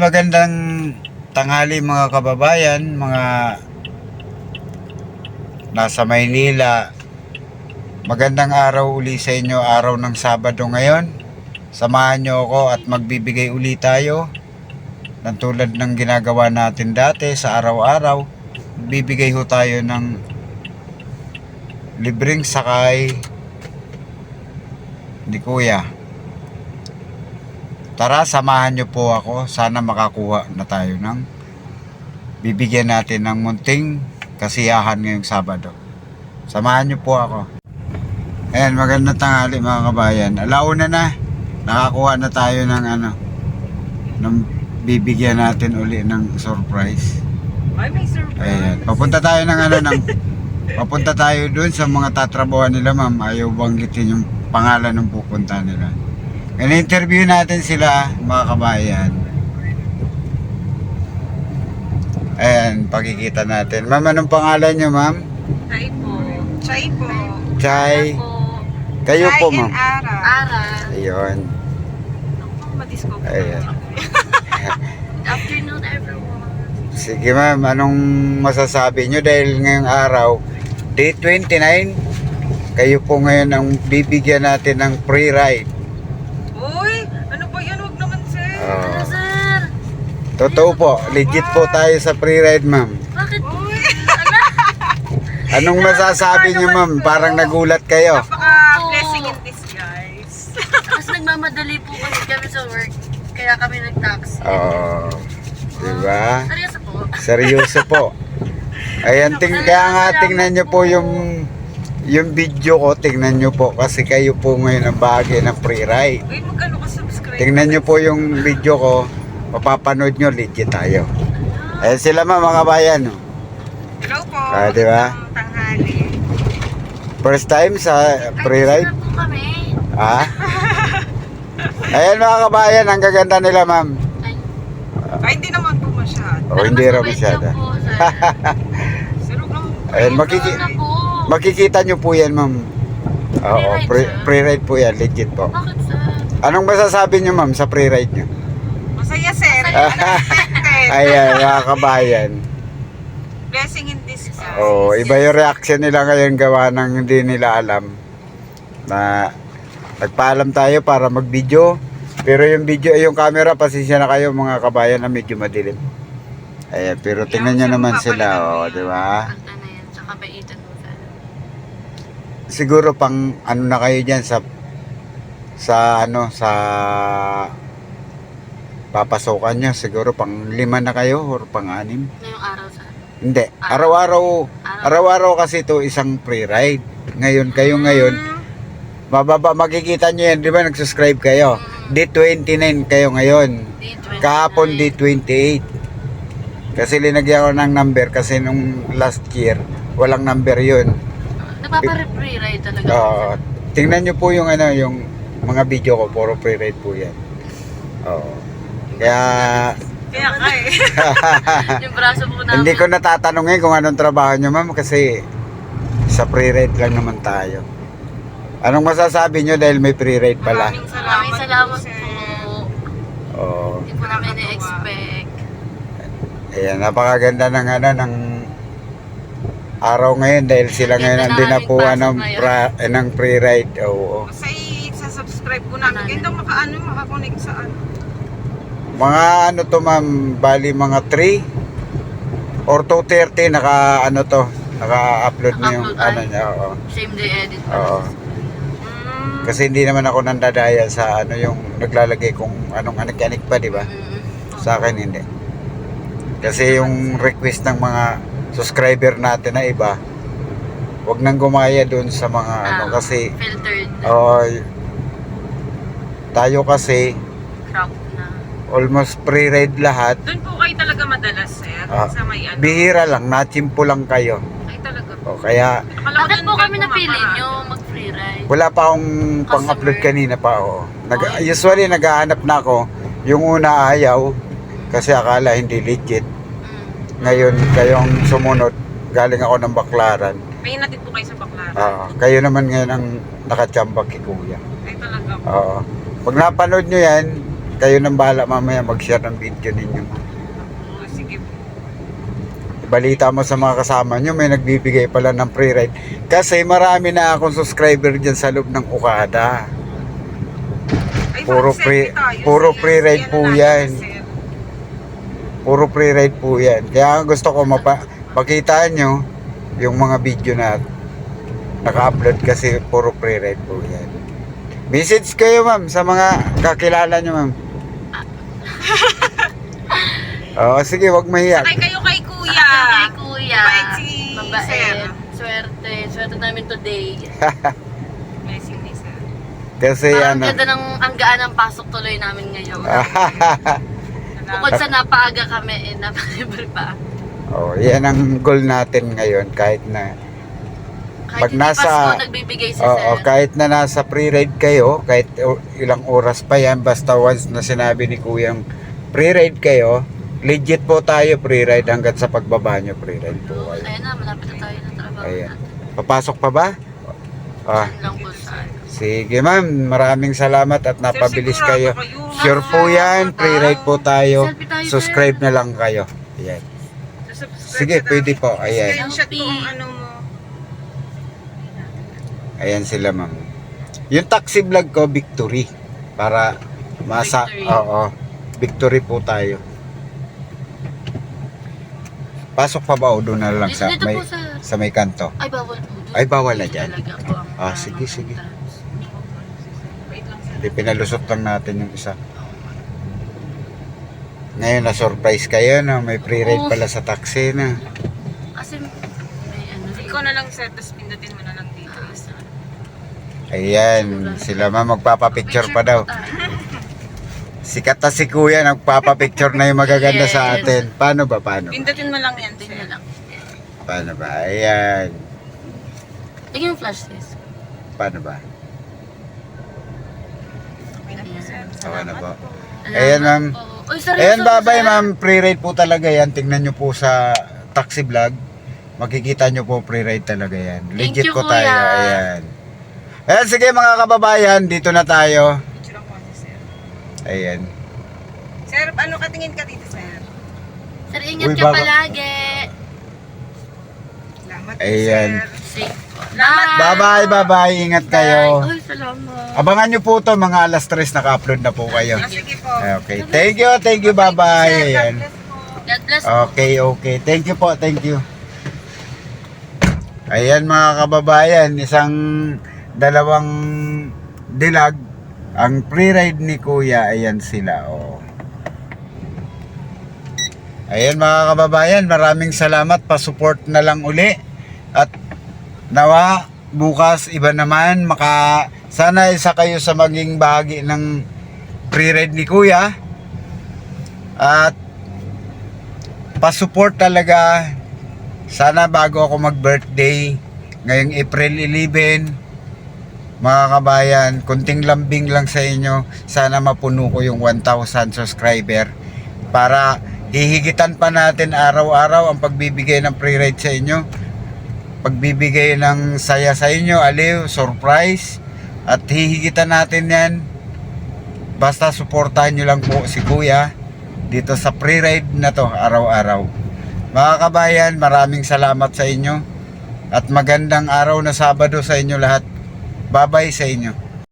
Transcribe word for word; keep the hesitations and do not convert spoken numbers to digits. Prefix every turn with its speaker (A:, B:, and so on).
A: magandang tanghali mga kababayan, mga nasa Maynila. Magandang araw uli sa inyo, araw ng Sabado ngayon. Samahan nyo ako at magbibigay uli tayo ng tulad ng ginagawa natin dati sa araw-araw. Bibigay ho tayo ng libreng sakay ni Kuya. Tara, samahan nyo po ako. Sana makakuha na tayo ng bibigyan natin ng munting kasiyahan ngayong Sabado. Samahan nyo po ako. Ayan, magandang tanghali mga kabayan. Alauna na. Nakakuha na tayo ng ano, ng bibigyan natin uli ng surprise.
B: Ay, may surprise.
A: Ayan. Papunta tayo ng ano, ng, papunta tayo dun sa mga tatrabuhan nila, ma'am. Ayaw banggitin yung pangalan ng pupunta nila. In-interview natin sila mga kabayan. Ayan, pakikita natin. Ma'am, anong pangalan nyo, ma'am?
B: Chay po. Chay po.
A: Chay.
B: po.
A: Kayo
B: Chay
A: po,
B: and
A: ma'am.
B: Ara. Ara.
A: Ayun.
B: Madiscover.
A: Ayan.
C: Good afternoon, everyone.
A: Sige, ma'am, anong masasabi nyo dahil ngayong araw, day twenty-nine, kayo po ngayon ang bibigyan natin ng free ride.
B: Uy, ano ba yan? Huwag naman, sir.
A: Oh.
C: Ano, sir?
A: Totoo po, legit po tayo sa free ride, ma'am.
C: Bakit?
B: Uy,
A: Anong masasabi nyo, ma'am? Parang nagulat kayo.
B: napaka-blessing in disguise.
C: Mas nagmamadali po kasi kami sa work. Kaya kami nag-taxi.
A: Oo. Diba?
C: Seryoso po.
A: Seryoso po. Ayan, ting kaya nga tingnan nyo po yung yung video ko, tingnan nyo po kasi kayo po ngayon ang bahagi ng free ride.
B: Uy, magkano ka subscribe?
A: Tingnan nyo po yung video ko, mapapanood nyo, legit tayo. Ayan sila, ma'am, mga bayan.
B: Hello po.
A: Ah, di ba?
B: Magandang tanghali.
A: First time sa free ride.
C: Ay, po kami.
A: Ah? Ayan mga kabayan, ang gaganda nila, ma'am.
C: Ay,
B: Ay, hindi naman po masyado.
A: O, hindi raw masyado.
C: po, sir.
B: Sir, huwag naman po.
A: Ayan, makiki-
C: Ano po?
A: makikita nyo po yan, ma'am. Oo, free, free ride po yan, legit po.
C: Bakit, sir?
A: Anong masasabi nyo, ma'am, sa free ride nyo?
B: Masaya, sir.
C: Masaya.
B: Unexpected.
A: Ayan, mga kabayan.
B: Blessing in disguise.
A: Oo, iba yung reaction nila ngayon gawa ng hindi nila alam na nagpaalam tayo para mag-video. Pero yung video, yung camera, pasensya na kayo mga kabayan na medyo madilim. Ayan, pero tingnan nyo naman sila, oh, di ba?
C: Kanta na yan. Tsaka baitan mo, sir.
A: Siguro pang ano na kayo dyan sa sa ano, sa papasokan nyo. Siguro pang lima na kayo or pang anim.
C: Ngayong araw, sir.
A: Hindi, araw-araw, araw-araw kasi ito isang free ride. Ngayon, kayo ngayon, mababa, makikita nyo yan, di ba nag-subscribe kayo? day twenty-nine kayo ngayon.
C: Day twenty-nine.
A: Kahapon day twenty-eight. Kasi linagyan ko ng number kasi nung last year, walang number yun.
C: Nagpapa-free ride talaga.
A: Oo. Tingnan nyo po yung ano, yung mga video ko, puro free ride po yan. Oo. Kaya,
B: Kaya ka eh.
C: Yung braso po namin.
A: hindi ko natatanungin kung anong trabaho nyo, ma'am, kasi sa free ride lang naman tayo. Anong masasabi nyo dahil may free ride pala?
B: Maraming salamat,
C: Maraming salamat
B: po, sir.
C: po.
A: Oo.
C: Hindi po namin na-expect.
A: Ayan, napakaganda ng ano, ng araw ngayon dahil sila ngayon ang dinapuan ng, pra, eh, ng free ride. Oo.
B: Kasi sa subscribe ko namin. Kaya daw makaano, makakonect sa ano.
A: Mga ano to, ma'am, bali mga three or two thirty naka ano to, naka-upload na yung
C: Naka-upload,
A: ano
C: ay.
A: niya. Oo.
C: Same day edit pa.
A: Oo.
B: Mm.
A: Kasi hindi naman ako nandadaya sa ano yung naglalagay kung anong anik-anik pa, di ba?
C: Mm.
A: Sa akin hindi. Kasi yung request ng mga subscriber natin na iba, wag nang gumaya doon sa mga ano
C: Ah,
A: kasi
C: filtered.
A: oh, tayo kasi
C: Crop na.
A: almost pre-read lahat.
B: Doon po kayo talaga madalas, sir.
A: Ah,
B: sa may ano.
A: Bihira lang, natsimpo lang kayo.
B: Ay talaga po.
A: O kaya
B: Akala ko
C: Bakit
B: doon
C: po
B: kayo
C: kami napili
B: pumaparaan.
C: nyo mag-free ride?
A: wala pa akong pang-upload kanina pa. Oh. Nag, usually naghahanap na ako. Yung una ayaw kasi akala hindi legit.
C: Mm.
A: Ngayon kayong sumunod, galing ako ng Baklaran.
B: May natin po kayo sa Baklaran.
A: Oo. Kayo naman ngayon ang nakachambag kay Kuya.
B: Ay talaga po.
A: Oo. Pag napanood nyo yan, kayo nang bahala mamaya mag-share ng video ninyo.
B: Oh, sige po.
A: Balita mo sa mga kasama nyo, may nagbibigay pala ng free ride. Kasi marami na akong subscriber dyan sa loob ng Okada.
B: Ay,
A: Puro
B: mag-selfie
A: free-
B: tayo,
A: puro
B: sir.
A: free ride
B: Yan
A: po
B: na
A: yan.
B: natin, sir.
A: Puro free ride po yan. Kaya gusto ko mapa pakita nyo yung mga video na naka-upload kasi puro free ride po yan. Message kayo ma'am sa mga kakilala nyo ma'am. Oo, sige, wag mahiya.
B: Sakay kayo kay kuya.
C: Sakay kay kuya.
B: Mabait si
C: Mabait.
B: sir.
C: Swerte. Swerte namin today.
B: Blessing ni sir.
A: Kasi
C: Parang
A: ano.
C: ganda ng ang gaan ng pasok tuloy namin ngayon. Bukod sa napaaga kami, eh, napalibre pa.
A: Oh, yan ang goal natin ngayon kahit na
C: Kahit
A: Pag
C: hindi
A: nasa-
C: Pasko, nagbibigay si
A: oo,
C: sir.
A: kahit na nasa free ride kayo, kahit o- ilang oras pa yan, basta once na sinabi ni Kuyang free ride kayo, legit po tayo free ride hanggang sa pagbaba nyo free ride po
C: Oo,
A: kayo.
C: Ayun na, malapit na tayo ng trabaho
A: Ayan.
C: natin.
A: Papasok pa ba? Ah,
C: Yan lang po sa
A: sige ma'am, maraming salamat at napabilis
B: sigurado
A: kayo.
B: kayo, ma'am.
A: Sure po yan, free ride po tayo.
C: Selfie tayo,
A: Subscribe
C: sir.
A: na lang kayo. Ayan.
B: Subscribe
A: Sige,
B: ka na.
A: pwede po. Ayan.
B: Screenshot ko ang ano mo.
A: Ayan sila ma'am. Yung taxi vlog ko, victory. Para masa,
C: Victory.
A: oo, victory po tayo. Pasok pa ba o doon na lang
C: Dito,
A: sa
C: dito
A: may,
C: po sa...
A: sa may kanto?
C: Ay, bawal po. Doon.
A: Ay, bawal na
C: Dito
A: dyan.
C: talaga po ang
A: Ah,
C: mga
A: sige, sige.
C: trans.
A: Di pinalusot lang natin yung isa. Ngayon na surprise kayo na may free ride
C: Oo.
A: pala sa taxi na.
C: Kasi may ano.
B: Ikaw na lang sir, tapos pindutin mo na lang dito.
C: Ah, sa-
A: Ayan, sila ma'am magpapapicture pa daw.
C: tayo.
A: Sikat na si kuya, nagpapapicture na yung magaganda sa
C: Yes.
A: atin. Paano ba, paano?
B: Pindutin mo lang yan,
C: Tingnan
B: sir.
C: lang.
A: Paano ba? Ayan.
C: Tingnan yung flash test.
A: Paano ba?
B: Okay na po, sir.
A: Tawa na po.
C: Salamat
A: Ayan, ma'am.
C: po. Uy, seryoso,
A: Ayan, babay
C: sir.
A: ma'am. Free ride po talaga yan. Tingnan nyo po sa taxi vlog. Makikita nyo po free ride talaga yan.
C: Thank
A: Legit
C: you,
A: po tayo.
C: kuya.
A: Ayan. Ayan, sige mga kababayan. Dito na tayo.
B: Picture ako ni sir.
A: Ayan.
B: Sir, ano katingin ka dito, sir?
C: Sir, ingat
A: Uy,
C: ka
A: baka-
C: palagi.
B: Salamat po,
A: Ayan.
B: sir.
C: Safe po.
A: Bye-bye, bye-bye. Ingat kayo.
C: Uy, salamat.
A: Abangan nyo po to mga alas tres naka-upload na po kayo.
B: Ah, sige po.
A: Okay. Thank you, thank you. Bye-bye.
B: Sir, God
A: Ayan.
B: bless po.
C: God bless po.
A: Okay, okay. Thank you po, thank you. Ayan mga kababayan, isang dalawang dilag. Ang free ride ni Kuya, ayan sila. Oh. Ayan mga kababayan, maraming salamat. Pa-support na lang uli. At nawa, bukas iba naman. Maka, sana isa kayo sa maging bahagi ng free ride ni Kuya. At pa-support talaga. Sana bago ako mag-birthday ngayong April eleven, mga kabayan, kunting lambing lang sa inyo. Sana mapuno ko yung one thousand subscriber para hihigitan pa natin araw-araw ang pagbibigay ng free ride sa inyo. Pagbibigay ng saya sa inyo, aliw, surprise. At hihigitan natin yan. Basta suportahan nyo lang po si Kuya dito sa free ride na to araw-araw. Mga kabayan, maraming salamat sa inyo. At magandang araw na Sabado sa inyo lahat. Bye-bye sa inyo.